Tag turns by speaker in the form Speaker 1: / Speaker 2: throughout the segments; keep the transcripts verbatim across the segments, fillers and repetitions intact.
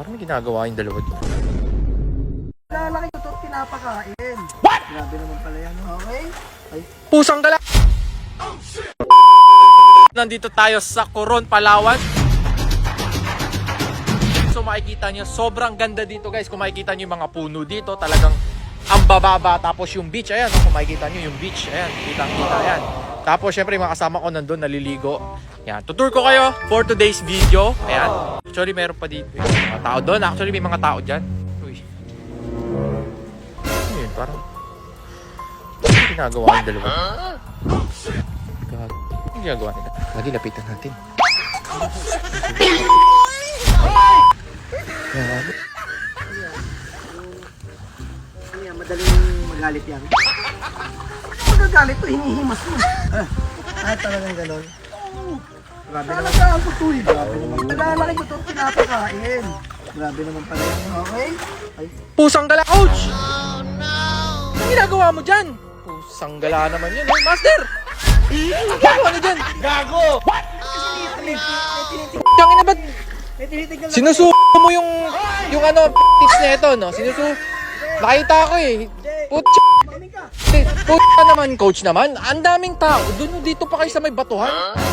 Speaker 1: Parang may ginagawa yung dalawa dito.
Speaker 2: Lalaki ko ito pinapakain.
Speaker 1: What?
Speaker 2: Grabe naman pala yan. Okay? Ay.
Speaker 1: Pusang gala! Oh, shit! Nandito tayo sa Coron, Palawan. So makikita nyo, sobrang ganda dito guys. Kung makikita nyo yung mga puno dito, talagang ang bababa. Tapos yung beach, ayan. Kung makikita nyo yung beach, ayan. Kitang-kita, ayan. Tapos syempre yung mga kasama ko nandun, naliligo. Ayan, tutur ko kayo for today's video. Ayan. Actually, meron pa dito yung mga tao doon. Actually, may mga tao dyan. Uy. Ano yun? Parang ano ginagawa yung dalawa? God. Ano ginagawa nila? Lagi lapitan natin. Ayan.
Speaker 2: Ano yan? Madaling magalit yan. Magagalit to, hinihimas mo. Ah, ah talagang ganon. Grabe naman. Talaga ang tutuloy. Grabe naman. Lalaki ko ito pinapakain. Grabe naman pala yan. Okay? Ay.
Speaker 1: Pusang gala, coach! Oh no! Ano ginagawa mo dyan? Pusang gala naman yun. Hey, master! Ano ginagawa mo dyan? Gago! What? Tangin na ba't? Sinusuko mo yung yung ano, tips na ito, no? Sinusuko. Nakita ko eh. Putya. Putya naman, coach naman. Ang daming tao. Doon dito pa kayo sa may batuhan.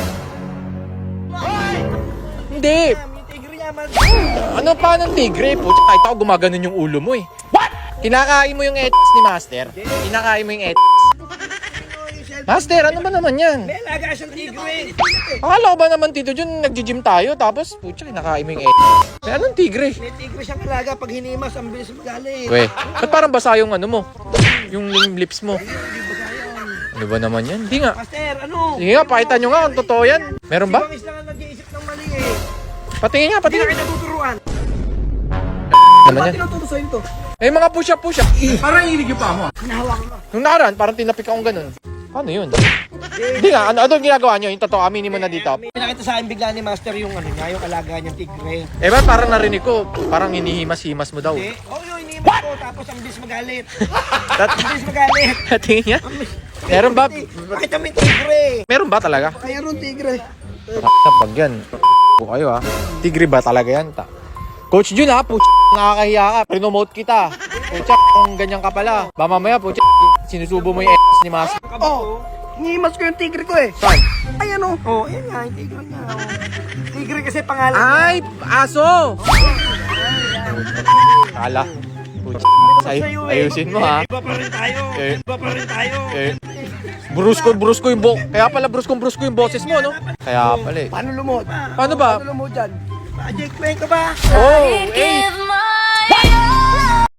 Speaker 1: Hindi. Ano pa ng tigre? Putya, kahit ako gumaganon yung ulo mo eh. What? Kinakain mo yung etis ni Master? Kinakain mo yung etis? Master, ano ba naman yan?
Speaker 2: May alaga siyang tigre.
Speaker 1: Akala ko ba naman Tito Jun, nagji-gym tayo tapos putya, kinakain mo yung etis. May anong tigre?
Speaker 2: May tigre siyang alaga. Pag hinimas, ang bilis magalit.
Speaker 1: We, ba't parang basa yung ano mo? Yung lips mo. Ano ba naman yan? Hindi nga.
Speaker 2: Master, ano?
Speaker 1: Sige nga, pakita nyo nga kung totoo yan. Meron ba?
Speaker 2: Si Bangis lang ang nag-iisip ng mali eh.
Speaker 1: Patingin nga,
Speaker 2: Hindi na
Speaker 1: patingin.
Speaker 2: kayo natuturuan.
Speaker 1: Naman
Speaker 2: Ba't
Speaker 1: yan.
Speaker 2: tinuturo sa'yo ito?
Speaker 1: Eh, mga push-up, push-up.
Speaker 2: Parang hilig yung pa mo. Hinahawakan ka.
Speaker 1: Nung nakaraan, parang tinapik akong ganun. Paano yun? Hindi nga, ano, ano yung ginagawa nyo? Yung totoo, aminin mo na dito.
Speaker 2: Pinakita sa akin bigla ni Master yung ano niya, yung alaga niyang tigre.
Speaker 1: Eh, ba't parang narinig ko, parang hinihimas-himas mo daw.
Speaker 2: Eh, oh yun, hinihimas ko, tapos ang bilis magalit.
Speaker 1: Tat-
Speaker 2: Ang bilis magalit.
Speaker 1: Tingin niya? Meron ba?
Speaker 2: Bakit kami tigre?
Speaker 1: Meron ba talaga?
Speaker 2: Kaya ron tigre.
Speaker 1: Pag yan. Po kayo ha. Tigre ba talaga yan? Ta Coach Jun ha, puch, nakakahiya ka. Prinomote kita. Puch, kung ganyan ka pala. Ba mamaya, puch, sinusubo mo yung etis ni Master.
Speaker 2: Oh, hinihimas ko yung tigre ko eh.
Speaker 1: Saan?
Speaker 2: Ay ano? Oh, yan nga, yung tigre niya. Oh. Tigre kasi pangalan niya.
Speaker 1: Ay, aso! Kala. Puch, ay, ayusin mo ha.
Speaker 2: Iba pa rin tayo.
Speaker 1: Eh.
Speaker 2: Iba pa rin tayo.
Speaker 1: Eh, brusko, brusko yung bo... Kaya pala bruskong brusko yung boses mo, no? Kaya pala eh.
Speaker 2: Paano lumod?
Speaker 1: Paano ba?
Speaker 2: Paano lumod dyan? Ah, Jake, may ka ba?
Speaker 1: Oh, eh,